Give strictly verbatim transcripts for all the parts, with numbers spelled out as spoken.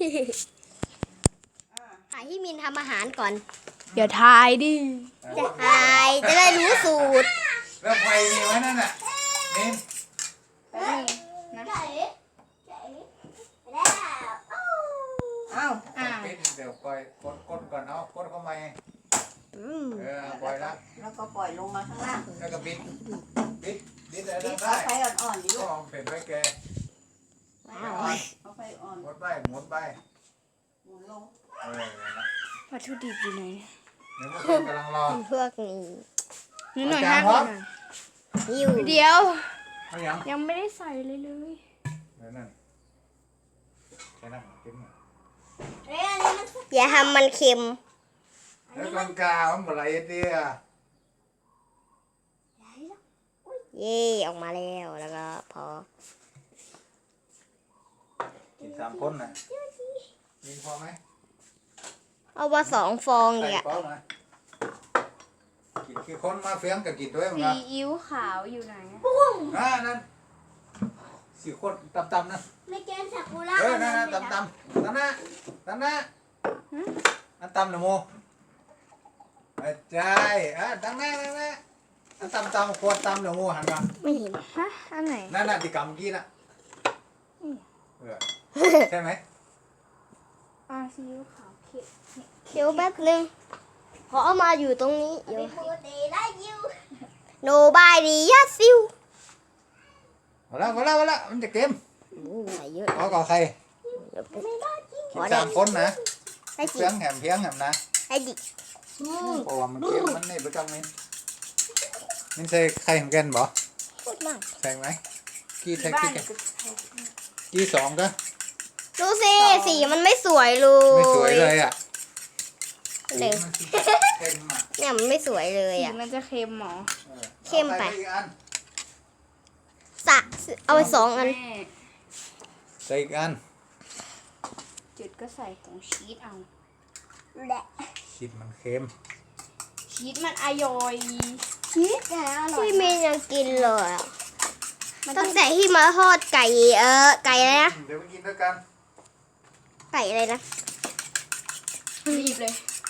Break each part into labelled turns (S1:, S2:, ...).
S1: ถ่ายที่มินทำอาหารก่อน
S2: เดี๋ยวทายดิ
S1: จะถ่ายจะได้รู้สูตร
S3: แล้วไฟมีไว้นั่นน่ะมิน
S2: อ้าวอ่า
S3: ปิดเดี๋ยวปล่อยกดกดก่อนเอากดเข้ามาเออปล่อยละ
S4: แล้วก็ปล่อยลงมาข้างล่าง
S3: แล้วก็บิดบิดบิดอะไร
S4: ปิด
S3: ได้
S4: เอาไฟอ่อนๆดิ
S3: ก็
S4: ลูก
S3: เอาเป็นไฟแก
S4: เอาไฟอ่อน
S3: หมดไปหมดไป
S4: หมุนลง
S3: เออนะ
S2: วัตถุดิบอยู่ไหน
S3: เดี๋ยวพวกคุณกำลังรอ
S1: พวกนี้
S2: นิดหน่อย
S3: อาจาร
S2: ห้า
S3: ย์
S2: ห
S3: ครั
S2: น่อบ ย
S1: อยู่
S2: เดี๋ยว
S3: เอาอย่าง
S2: ยังไม่ได้ใส่เลยเลย
S3: เดี๋ยวนั่นแค่นั้นกินหน่อย
S1: อย่าทำมันเค็ม
S3: แล้วกลางกามันอะไรเดีย
S1: เย่ออกมาแล้วแล้วก็พอ
S3: กินสามคนน่ะมีพอไหม
S1: เอามาสองฟอง
S3: ใส่
S1: เนี่ย
S3: เป้ามากินกี่คนมาเฟียงกับกินด้วยมั้ง
S2: ซี
S3: ครับ
S2: อิ๊วขาวอยู่ไหน
S3: อ่านั่นสี่คนตำๆนั่น
S1: ไม่แกนซากุระ
S3: เออนั่นนั่นตำตำตำนะตำนะอันตำหนูโมอาจารย์อ่ะตำนะตำนะอันตำตำขวดตำหนูโมหันมา
S1: ไม่เห็น
S2: ฮะอันไหน
S3: นั่นน่ะที่กำเมื่อกี้น่ะเออใช่ไหม
S2: อ่าซีอิ๊วขาวเค็ม
S1: เดี๋ยวแป๊บนึงขอเอามาอยู่ตรงนี้เดี๋ยวโนบายดียัดซิว
S3: มาแล้วมาแล้วมาแล้วมันจะเค็ม
S1: โอ้ใส่เยอะ
S3: ขอก่อใคร
S1: เดี๋ยวไป
S3: กินสามคนนะ
S1: ให้จิ
S3: เพียงแหมเพียงแหมนะ
S1: ให้จิ
S3: เพราะว่ามันเค็มมันนี่ประจำมินมินใส่ไข่เหมือนกันบ่
S1: พูดมาก
S3: ใส่ไหมกี่ใส่
S2: บ้า
S3: กี่
S2: น
S3: กัน
S2: ก็
S3: กี่สองก็
S1: ดูสิสีมันไม่สวยเลย
S3: ไม่สวยเลยอ่ะ
S1: หนึ่ง
S3: เค็มอ่ะ
S1: เนี่ยมันไม่สวยเลย
S2: สี
S1: อ่ะ
S2: มันจะเค็มหมอ
S3: ออ
S1: เข้มไป
S3: อาอีกอัน
S1: สะเอาไปสองอัน
S2: แม่
S3: ใส่อีกอัน
S2: จุดก็ใส่ของชีสเอา
S3: ชิดมันเค็ม
S2: ชีสมันอร่อย
S1: ชีสที่เมย์ยังกินเลยอะ
S2: มันต้
S1: ตั้
S2: อง
S1: งแต่ที่มาทอดไก่เออไก่อะไรนะ
S3: เดี๋ยวไปกินด้วยกัน
S1: ไก่อะไรนะ
S2: รีบเลย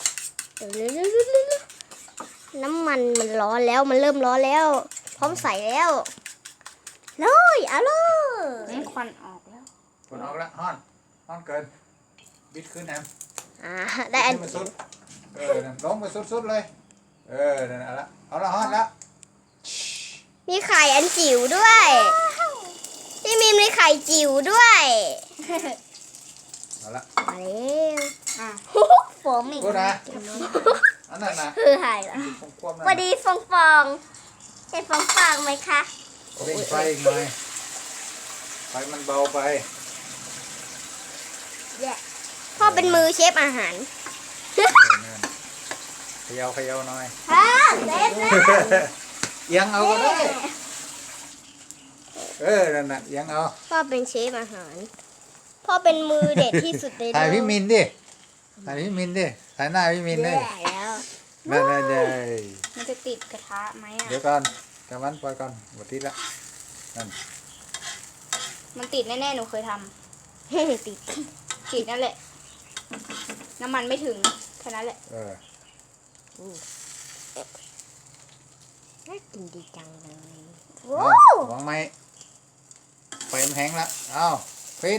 S1: น้ำมันมันร้อนแล้วมันเริ่มร้อนแล้ว พร้อมใส่แล้วเลยเอาเลย
S2: นั่นควันออกแล้ว
S3: ผลออกแล้วฮ้อนฮ้อนเกิน บิดขึ้นแฮม
S1: อ่าได้อัน
S3: บิขึ้มาสุดเออนั่นลงไปสุดๆเลย เออนั่นเอาละเอาละฮ้อนแล้ว
S1: มีไข่อันจิ๋วด้วยที่มีมีไข่จิ๋วด้วย
S3: เอาละ
S1: มาแล้ว
S2: อ่ะ
S1: โฟมอีก
S3: พูดนะอันนั้นนะ
S1: คือหายละ
S3: ผมควบ
S1: พอดีฟองฟองเห็นฟองฟองไหมคะ
S3: เร่งไฟอีกหน่อยไฟมันเบาไป
S1: พ่อเป็นมือเชฟอาหาร
S3: เออนั่นเขย่าเขย่าหน่อย
S1: ฮ่าเซฟแล้ว
S3: เอียงเอาก็ได้ เออ นั่นน่ะเอียงเอา
S1: พ่อเป็นเชฟอาหาร พ่อเป็นมือเด็ดที่สุดในโลก
S3: ถ่ายพี่มินดิ ถ่ายพี่มินดิ ถ่ายหน้าพี่มินดิ
S1: แย่แล้ว
S3: นั่นนั่นเลย
S2: มันจะติดกระทะไหมอ่ะ
S3: เดี๋ยวก่อนกำมันปล่อยก่อนหมดทีละนั่น
S2: มันติดแน่ๆหนูเคยท
S1: ติด
S2: ำติดนั่นแหละ น้ำมันไม่ถึงแค่นั้นแหละ
S3: เออ
S1: น่ากินดีจังเลย
S3: เอาวางไม้ไฟมันแห้งละเอาฟิน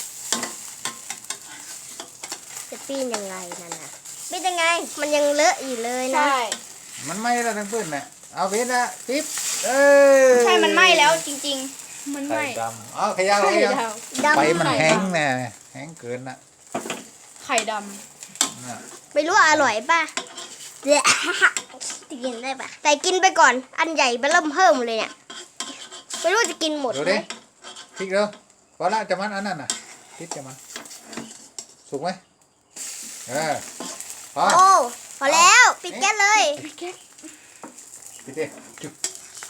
S1: จะปีนยังไงนั่นน่ะปีนยังไง มันยังเลอะอยู่เลยนะ
S2: ใช่
S3: มันไหม้แล้วทั้งพื้นน่ะเอาฟินละฟิปเออ
S2: ใช่มันไหม้แล้วจริงๆ มันไห
S3: ไข่
S2: ม้
S3: ดำเอาเขย่า
S2: ไข่
S3: เขย่า
S2: ด
S3: ไฟมันแห้งแน่แห้งเกินน่ะ
S2: ำไข่ด
S3: น่ะ
S1: ไม่รู้ว่าอร่อยป่ะเดี๋ยวจะกินได้ป่ะ แต่กินไปก่อน อันใหญ่ไปเริ่มเพิ่มเลยเนี่ย ไม่รู้จะกินหมด
S3: ดู
S1: ไหม
S3: ดิพริกเร็วพอละจะมันอันนั้นน่ะพริกจะมันสุกไหมเออพอ
S1: โอ้พอแล้วปิดแก๊สเลย
S2: ำพี่แก๊ก
S3: ปิดดิจุ๊บ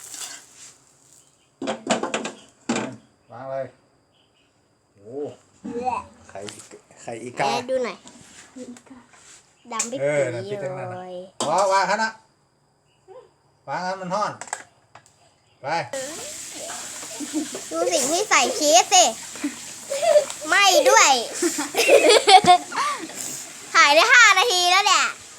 S3: วางเลยโอ้ไข่ไข่อี
S1: แอ
S3: กา
S1: ร์ดูหน่อยดำไป
S3: เอ
S1: ปี
S3: อนั่นปิดทั้งนั้น
S1: เล
S3: น่ะ
S1: ย
S3: วางวางขนาดวางให้มันห้อนไป
S1: ดูสิ่งที่ใส่ชีสสิไหม่ด้วยถ่ายได้ห้านาทีแล้วเนี่ย